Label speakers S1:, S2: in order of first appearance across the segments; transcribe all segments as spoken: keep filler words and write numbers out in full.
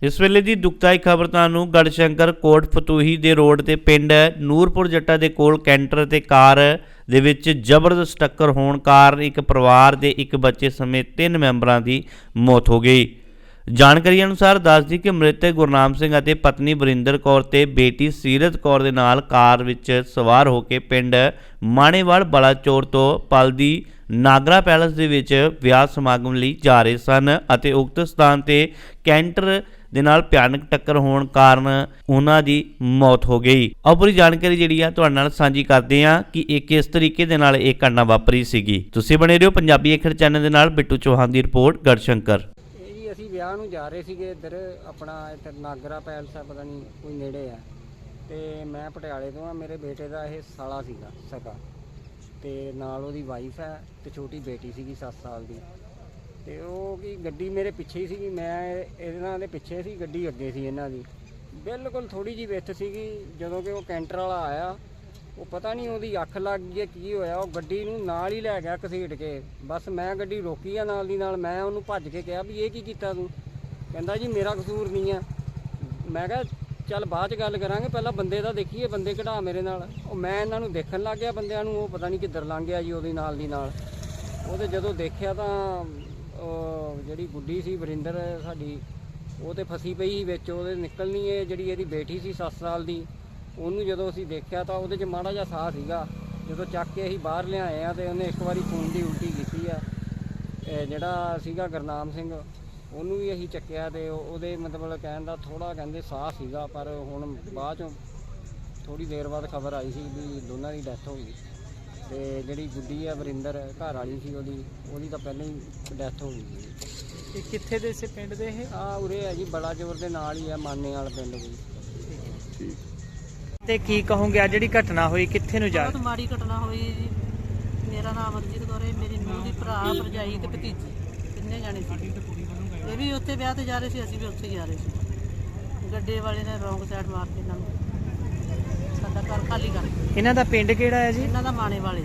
S1: इस वेले की दुखदाई खबर तुहानूं गढ़शंकर कोट फतूही दे रोड ते पिंड नूरपुर जट्टा दे कोल कैंटर ते कार दे विच जबरदस्त टक्कर होण कारण एक परिवार दे एक बच्चे समेत तीन मैंबरां दी मौत हो गई। जानकारी अनुसार दसदी कि मृतक गुरनाम सिंह अते पत्नी वरिंदर कौर ते बेटी सीरत कौर दे नाल कार विच सवार होके पिंड माणेवाल बलाचौर तो पलदी नागरा पैलेस दे विच विआह समागम लई जा रहे सन अते उक्त स्थान ते कैंटर दे नाल भयानक टक्कर होण कारण उन्हां दी मौत हो गई। आओ पूरी जानकारी जिहड़ी आ तुहाडे नाल साझी करदे हां कि इह किस तरीके दे नाल इह घटना वापरी सीगी। तुसीं बने रहियो पंजाबी अखर चैनल दे नाल। बिट्टू चौहान दी रिपोर्ट गढ़शंकर।
S2: ਅਸੀਂ ਵਿਆਹ ਨੂੰ ਜਾ ਰਹੇ ਸੀਗੇ ਇੱਧਰ ਆਪਣਾ ਇੱਧਰ ਨਾਗਰਾ ਪੈਲਸ ਆ ਪਤਾ ਨਹੀਂ ਕੋਈ ਨੇੜੇ ਆ ਤੇ ਮੈਂ ਪਟਿਆਲੇ ਤੋਂ ਆ। ਮੇਰੇ ਬੇਟੇ ਦਾ ਇਹ ਸਾਲਾ ਸੀਗਾ ਸਕਾ ਤੇ ਨਾਲ ਉਹਦੀ ਵਾਈਫ ਹੈ ਤੇ ਛੋਟੀ ਬੇਟੀ ਸੀਗੀ ਸੱਤ ਸਾਲ ਦੀ ਤੇ ਉਹ ਕੀ ਗੱਡੀ ਮੇਰੇ ਪਿੱਛੇ ਹੀ ਸੀਗੀ। ਮੈਂ ਇਹਨਾਂ ਦੇ ਪਿੱਛੇ ਸੀ, ਗੱਡੀ ਅੱਗੇ ਸੀ ਇਹਨਾਂ ਦੀ। ਬਿਲਕੁਲ ਥੋੜੀ ਜਿਹੀ ਵਿੱਥ ਸੀਗੀ ਜਦੋਂ ਕਿ ਉਹ ਕੈਂਟਰ ਵਾਲਾ ਆਇਆ। ਉਹ ਪਤਾ ਨਹੀਂ ਉਹਦੀ ਅੱਖ ਲੱਗ ਗਈ ਕੀ ਹੋਇਆ, ਉਹ ਗੱਡੀ ਨੂੰ ਨਾਲ ਹੀ ਲੈ ਗਿਆ ਘਸੀਟ ਕੇ। ਬਸ ਮੈਂ ਗੱਡੀ ਰੋਕੀ ਆ ਨਾਲ ਦੀ ਨਾਲ। ਮੈਂ ਉਹਨੂੰ ਭੱਜ ਕੇ ਕਿਹਾ ਵੀ ਇਹ ਕੀ ਕੀਤਾ ਤੂੰ? ਕਹਿੰਦਾ ਜੀ ਮੇਰਾ ਕਸੂਰ ਨਹੀਂ ਆ। ਮੈਂ ਕਿਹਾ ਚੱਲ ਬਾਅਦ 'ਚ ਗੱਲ ਕਰਾਂਗੇ, ਪਹਿਲਾਂ ਬੰਦੇ ਦਾ ਦੇਖੀਏ, ਬੰਦੇ ਕਢਾ ਮੇਰੇ ਨਾਲ। ਉਹ ਮੈਂ ਇਹਨਾਂ ਨੂੰ ਦੇਖਣ ਲੱਗ ਗਿਆ ਬੰਦਿਆਂ ਨੂੰ। ਉਹ ਪਤਾ ਨਹੀਂ ਕਿੱਧਰ ਲੰਘ ਗਿਆ ਜੀ ਉਹਦੇ ਨਾਲ ਦੀ ਨਾਲ। ਉਹਦੇ ਜਦੋਂ ਦੇਖਿਆ ਤਾਂ ਉਹ ਜਿਹੜੀ ਗੁੱਡੀ ਸੀ ਵਰਿੰਦਰ ਸਾਡੀ, ਉਹ ਤਾਂ ਫਸੀ ਪਈ ਸੀ ਵਿੱਚ। ਉਹਦੇ ਨਿਕਲਣੀ ਹੈ ਜਿਹੜੀ ਇਹਦੀ ਬੇਟੀ ਸੀ ਸੱਤ ਸਾਲ ਦੀ, ਉਹਨੂੰ ਜਦੋਂ ਅਸੀਂ ਦੇਖਿਆ ਤਾਂ ਉਹਦੇ 'ਚ ਮਾੜਾ ਜਿਹਾ ਸਾਹ ਸੀਗਾ। ਜਦੋਂ ਚੱਕ ਕੇ ਅਸੀਂ ਬਾਹਰ ਲਿਆਏ ਆ ਤੇ ਉਹਨੇ ਇੱਕ ਵਾਰੀ ਖੂਨ ਦੀ ਉਲਟੀ ਕੀਤੀ ਆ। ਜਿਹੜਾ ਸੀਗਾ ਗੁਰਨਾਮ ਸਿੰਘ, ਉਹਨੂੰ ਵੀ ਅਸੀਂ ਚੱਕਿਆ ਤੇ ਉਹਦੇ ਮਤਲਬ ਕਹਿਣ ਦਾ ਥੋੜ੍ਹਾ ਕਹਿੰਦੇ ਸਾਹ ਸੀਗਾ, ਪਰ ਹੁਣ ਬਾਅਦ 'ਚੋਂ ਥੋੜ੍ਹੀ ਦੇਰ ਬਾਅਦ ਖਬਰ ਆਈ ਸੀ ਵੀ ਦੋਨਾਂ ਦੀ ਡੈਥ ਹੋ ਗਈ। ਤੇ ਜਿਹੜੀ ਗੁੱਡੀ ਆ ਵਰਿੰਦਰ ਘਰ ਵਾਲੀ ਸੀ ਉਹਦੀ, ਉਹਦੀ ਤਾਂ ਪਹਿਲਾਂ ਹੀ ਡੈਥ ਹੋ ਗਈ ਸੀ।
S3: ਇਹ ਕਿੱਥੇ ਦੇ ਇਸੇ ਪਿੰਡ ਦੇ ਇਹ?
S2: ਆ ਉਰੇ ਹੈ ਜੀ ਬਲਾਚੌਰ ਦੇ ਨਾਲ ਹੀ ਆ, ਮਾਨੇ ਵਾਲ ਪਿੰਡ ਕੋਈ।
S3: ਠੀਕ। ਤੇ ਕੀ ਕਹੋਗੇ ਆ ਜਿਹੜੀ ਘਟਨਾ ਹੋਈ, ਕਿੱਥੇ ਨੂੰ ਜਾ
S4: ਬਹੁਤ ਮਾੜੀ ਘਟਨਾ ਹੋਈ ਜੀ। ਮੇਰਾ ਨਾਮ ਅਮਰਜੀਤ ਕੌਰ ਹੈ, ਮੇਰੀ ਨੂੰਹ ਦੀ ਭਰਾ ਭਰਜਾਈ ਤੇ ਭਤੀਜੀ ਤਿੰਨੇ ਜਾਣੇ ਸੀ। ਇਹ ਵੀ ਉੱਥੇ ਵਿਆਹ ਤੇ ਜਾ ਰਹੇ ਸੀ, ਅਸੀਂ ਵੀ ਉੱਥੇ ਜਾ ਰਹੇ ਸੀ। ਗੱਡੇ ਵਾਲੇ ਨੇ ਰੌਂਗ ਸਾਈਡ ਮਾਰ ਕੇ ਇਹਨਾਂ ਨੂੰ ਸਾਡਾ ਘਰ ਖਾਲੀ ਕਰ ਦਿੱਤਾ।
S3: ਇਹਨਾਂ ਦਾ ਪਿੰਡ ਕਿਹੜਾ ਹੈ ਜੀ?
S4: ਇਹਨਾਂ ਦਾ ਮਾਣੇ ਵਾਲੇ,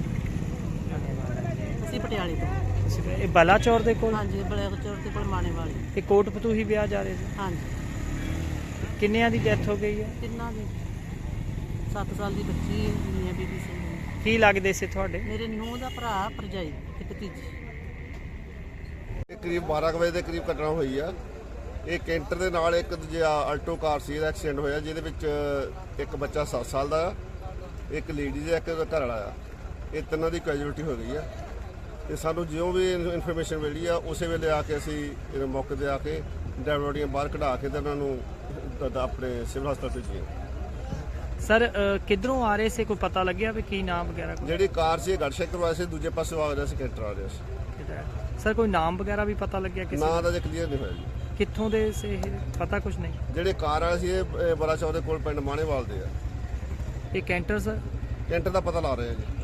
S4: ਅਸੀਂ ਪਟਿਆਲੇ ਤੋਂ।
S3: ਇਹ ਬਲਾਚੌਰ ਦੇ ਕੋਲ?
S4: ਹਾਂਜੀ, ਬਲਾਚੌਰ ਦੇ ਕੋਲ ਮਾਣੇ ਵਾਲੇ।
S3: ਤੇ ਕੋਟ ਫਤੂਹੀ ਵਿਆਹ ਜਾ ਰਹੇ ਸੀ?
S4: ਹਾਂਜੀ।
S3: ਕਿੰਨਿਆਂ ਦੀ ਡੈਥ ਹੋ ਗਈ ਹੈ?
S4: ਤਿੰਨਾਂ ਦੀ। ਸੱਤ ਸਾਲ ਦੀ ਬੱਚੀ ਮੀਆਂ ਬੀਬੀ ਸਿੰਘ।
S3: ਕੀ ਲੱਗਦੇ ਸੀ ਤੁਹਾਡੇ?
S4: ਮੇਰੇ ਨੂੰਹ ਦਾ ਭਰਾ ਭਰਜਾਈ ਤੇ ਭਤੀਜੀ।
S5: ਇਹ ਕਰੀਬ ਬਾਰਾਂ ਵਜੇ ਦੇ ਕਰੀਬ ਘਟਨਾ ਹੋਈ ਆ। ਇਹ ਕੈਂਟਰ ਦੇ ਨਾਲ ਇੱਕ ਦੂਜਾ ਆਲਟੋ ਕਾਰ ਸੀ, ਇਹਦਾ ਐਕਸੀਡੈਂਟ ਹੋਇਆ, ਜਿਹਦੇ ਵਿੱਚ ਇੱਕ ਬੱਚਾ ਸੱਤ ਸਾਲ ਦਾ ਆ, ਇੱਕ ਲੇਡੀ ਦਾ, ਇੱਕ ਘਰ ਵਾਲਾ ਆ। ਇਹ ਤਿੰਨਾਂ ਦੀ ਕੈਜੂਅਲਟੀ ਹੋ ਗਈ ਆ। ਤੇ ਸਾਨੂੰ ਜਿਉਂ ਵੀ ਇਨਫੋਰਮੇਸ਼ਨ ਮਿਲੀ ਆ ਉਸੇ ਵੇਲੇ ਆ ਕੇ ਅਸੀਂ ਇਹ ਮੌਕੇ 'ਤੇ ਆ ਕੇ ਡੈਡ ਬੋਡੀਆਂ ਬਾਹਰ ਕਢਾ ਕੇ ਤੇ ਉਹਨਾਂ ਨੂੰ ਆਪਣੇ ਸਿਵਲ ਹਸਪਤਾਲ ਭੇਜੀਆਂ।
S3: ਸਰ ਕਿੱਧਰੋਂ ਆ ਰਹੇ ਸੀ, ਕੋਈ ਪਤਾ ਲੱਗਿਆ ਵੀ ਕੀ ਨਾਮ ਵਗੈਰਾ?
S5: ਜਿਹੜੀ ਕਾਰ ਸੀ ਇਹ ਗੜਸ਼ੰਕਰ ਵਾਸਤੇ, ਦੂਜੇ ਪਾਸੇ ਆ ਰਿਹਾ ਸੀ ਕੈਂਟਰ ਆ ਰਿਹਾ ਸੀ।
S3: ਸਰ ਕੋਈ ਨਾਮ ਵਗੈਰਾ ਵੀ ਪਤਾ ਲੱਗਿਆ ਕਿਸੇ
S5: ਨਾਂ ਦਾ? ਜੇ ਕਲੀਅਰ ਨਹੀਂ ਹੋਇਆ ਜੀ।
S3: ਕਿੱਥੋਂ ਦੇ ਸੀ ਇਹ, ਪਤਾ ਕੁਝ ਨਹੀਂ?
S5: ਜਿਹੜੇ ਕਾਰ ਵਾਲੇ ਸੀ ਇਹ ਬਲਾਚੌਰ ਦੇ ਕੋਲ ਪਿੰਡ ਮਾਣੇਵਾਲ ਦੇ ਆ।
S3: ਇਹ ਕੈਂਟਰ ਸਰ?
S5: ਕੈਂਟਰ ਦਾ ਪਤਾ ਲਾ ਰਹੇ ਆ ਜੀ।